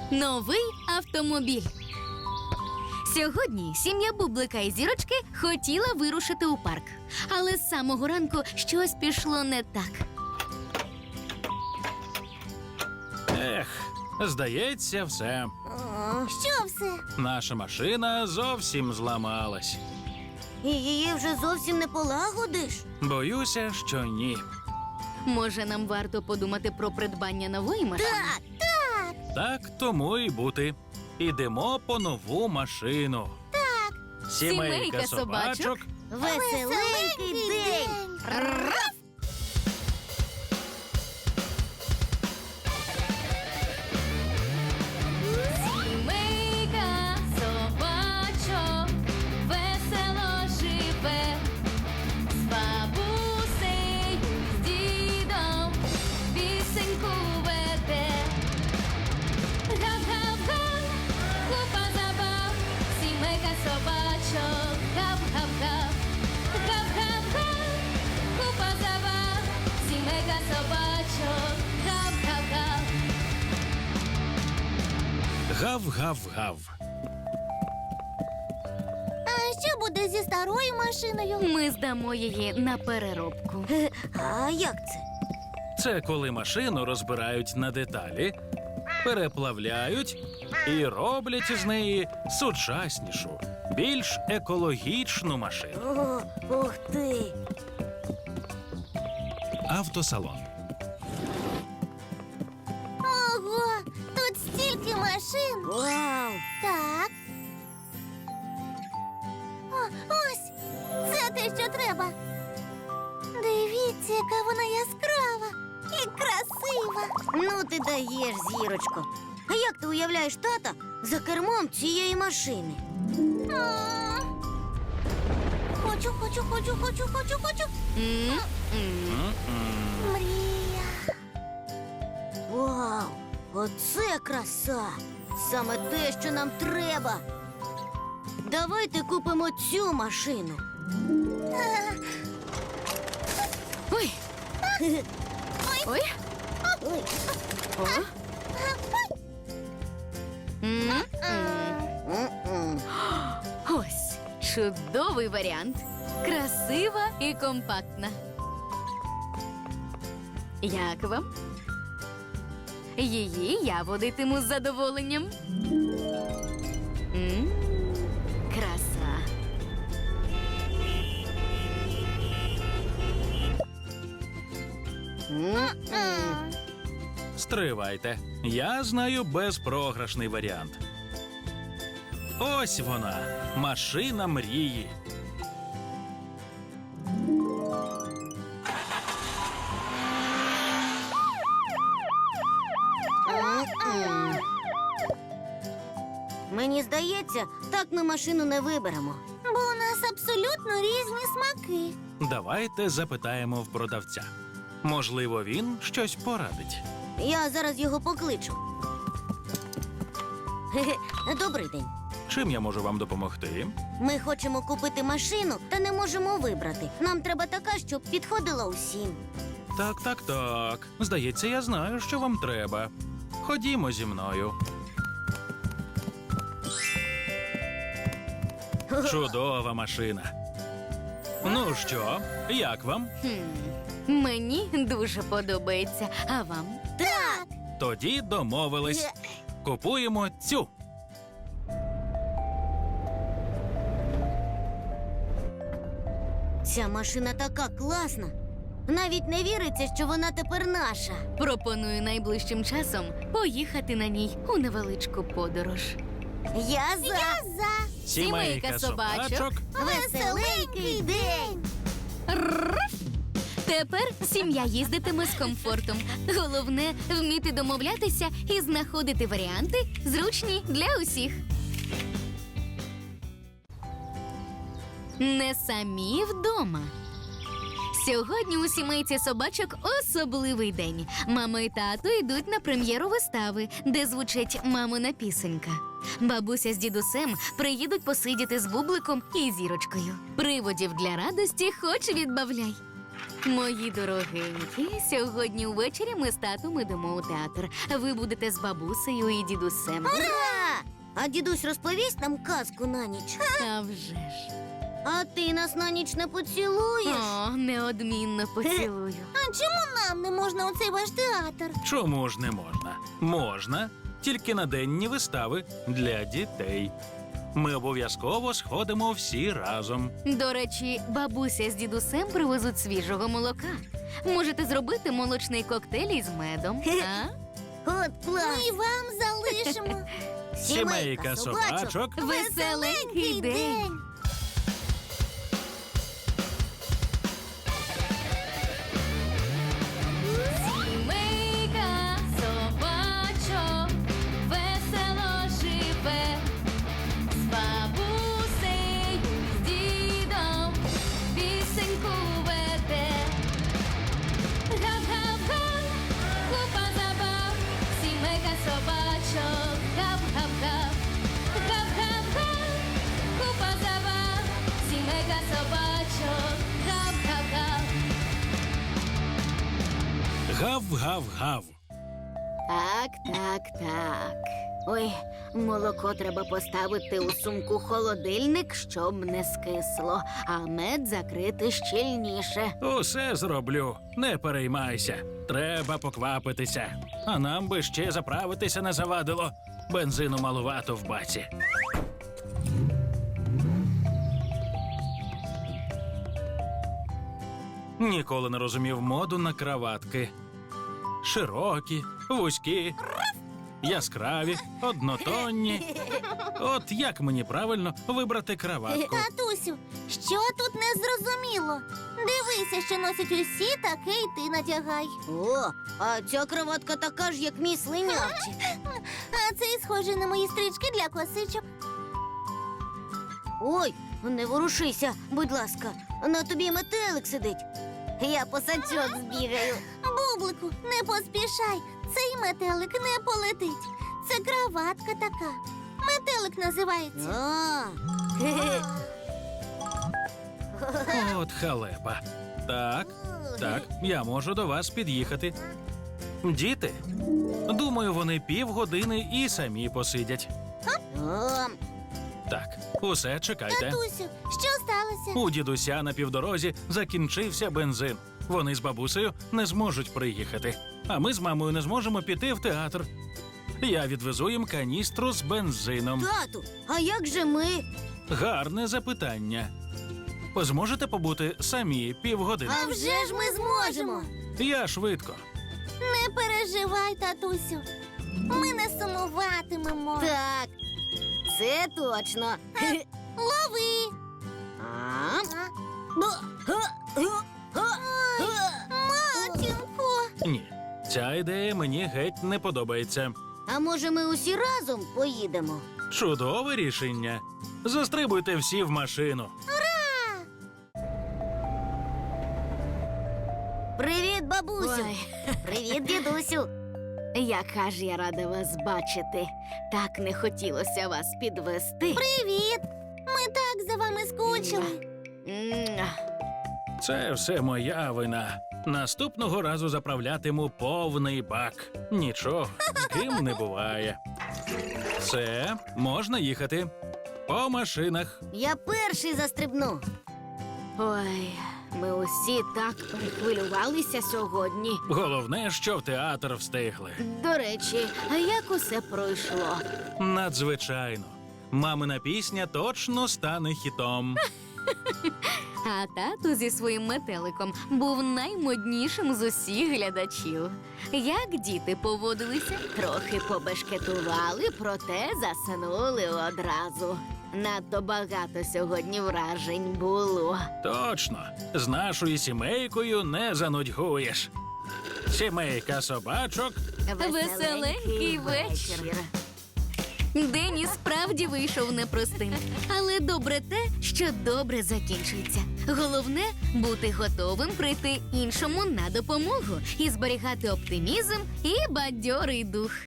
Новий автомобіль. Сьогодні сім'я Бублика і Зірочки хотіла вирушити у парк. Але з самого ранку щось пішло не так. Ех, здається, все. Що все? Наша машина зовсім зламалась. І її вже зовсім не полагодиш? Боюся, що ні. Може, нам варто подумати про придбання нової машини? Так тому і бути. Ідемо по нову машину. Сімейка собачок. Веселенький день! Сімейка собачок весело живе, з бабусею, з дідом пісеньку веде. Гав-гав-га, купа забав, сімейка собачок, гав-гав-гав. Гав-гав-га, купа забав, сімейка собачок, гав-гав-гав. Гав-гав-гав. А що буде зі старою машиною? Ми здамо її на переробку. А як це? Це коли машину розбирають на деталі, переплавляють і роблять із неї сучаснішу, більш екологічну машину. Ух ти! Автосалон. Ого! Тут стільки машин! Вау! Так. Ось! Це те, що треба. Дивіться, яка вона яскрава і красива. Ну ти даєш, Зірочко. А як ти уявляєш тата за кермом цієї машини? Хочу. М-м. Мрія. Вау! Оце краса! Саме те, що нам треба. Давайте купимо цю машину. Ой, ой, Ой. о. М-м. М-м. Ось чудовий варіант. Красива і компактна. Як вам? Її я водитиму з задоволенням. Краса. М-м. Стривайте. Я знаю безпрограшний варіант. Ось вона, машина мрії. М-м. Мені здається, так ми машину не виберемо. Бо у нас абсолютно різні смаки. Давайте запитаємо в продавця. Можливо, він щось порадить. Я зараз його покличу. Хе-хе. Добрий день. Чим я можу вам допомогти? Ми хочемо купити машину, та не можемо вибрати. Нам треба така, щоб підходила усім. Так. Здається, я знаю, що вам треба. Ходімо зі мною. Чудова машина. Ну що, як вам? Мені дуже подобається. А вам? Так! Тоді домовились. Купуємо цю. Ця машина така класна. Навіть не віриться, що вона тепер наша. Пропоную найближчим часом поїхати на ній у невеличку подорож. Я за. Сімейка собачок. Веселенький день. Тепер сім'я їздитиме з комфортом. Головне – вміти домовлятися і знаходити варіанти, зручні для усіх. Не самі вдома. Сьогодні у сімейці собачок особливий день. Мама і тато йдуть на прем'єру вистави, де звучить мамина пісенька. Бабуся з дідусем приїдуть посидіти з Бубликом і Зірочкою. Приводів для радості хоч відбавляй. Мої дорогенькі, сьогодні ввечері ми з татом ідемо у театр. Ви будете з бабусею і дідусем. Ура! А дідусь розповість нам казку на ніч. А вже ж. А ти нас на ніч не поцілуєш? О, неодмінно поцілую. А чому нам не можна у цей ваш театр? Чому ж не можна? Можна, тільки на денні вистави для дітей. Ми обов'язково сходимо всі разом. До речі, бабуся з дідусем привезуть свіжого молока. Можете зробити молочний коктейль із медом. А? От клас! Ми вам залишимо. Сімейка собачок. Веселенький день. Сімейка собачок весело живе, з бабусею, з дідом пісеньку веде. Гав-гав-га, купа забав, сімейка собачок, гав-гав-гав. Гав-гав-га, купа забав, сімейка собачок, гав-гав-гав. Гав-гав-гав. Так. Ой, молоко треба поставити у сумку-холодильник, щоб не скисло, а мед закрити щільніше. Усе зроблю, не переймайся. Треба поквапитися. А нам би ще заправитися не завадило. Бензину малувато в баці. Ніколи не розумів моду на краватки. Широкі, вузькі, яскраві, однотонні. От як мені правильно вибрати краватку? Татусю, що тут не зрозуміло? Дивися, що носять усі, таке й ти надягай. О, а ця кроватка така ж, як мій слинявчик. А цей схожий на мої стрічки для косичок. Ой, не ворушися, будь ласка. На тобі метелик сидить. Я по сачок збігаю. Бублику, не поспішай. Цей метелик не полетить. Це краватка така. Метелик називається. От халепа. Так, я можу до вас під'їхати. Діти? Думаю, вони півгодини і самі посидять. Так, усе, чекайте. Татусю, що сталося? У дідуся на півдорозі закінчився бензин. Вони з бабусею не зможуть приїхати. А ми з мамою не зможемо піти в театр. Я відвезу їм каністру з бензином. Тату, а як же ми? Гарне запитання. Зможете побути самі півгодини? А вже ж ми зможемо. Я швидко. Не переживай, татусю. Ми не сумуватимемо. Так, це точно. Лови. Матінко. Ні, ця ідея мені геть не подобається. А може ми усі разом поїдемо? Чудове рішення. Застрибуйте всі в машину. Привіт, бабусю. Ой. Привіт, дідусю. Яка ж я рада вас бачити. Так не хотілося вас підвести. Привіт. Ми так за вами скучили. Це все моя вина. Наступного разу заправлятиму повний бак. Нічого, з ким не буває. Все, можна їхати. По машинах. Я перший застрибну. Ой, ми усі так перехвилювалися сьогодні. Головне, що в театр встигли. До речі, а як усе пройшло? Надзвичайно. Мамина пісня точно стане хітом. А тато зі своїм метеликом був наймоднішим з усіх глядачів. Як діти поводилися? Трохи побешкетували, проте заснули одразу. Надто багато сьогодні вражень було. Точно, з нашою сімейкою не занудьгуєш. Сімейка собачок. Веселенький вечір. День і справді вийшов непростим. Але добре те, що добре закінчується. Головне – бути готовим прийти іншому на допомогу і зберігати оптимізм і бадьорий дух.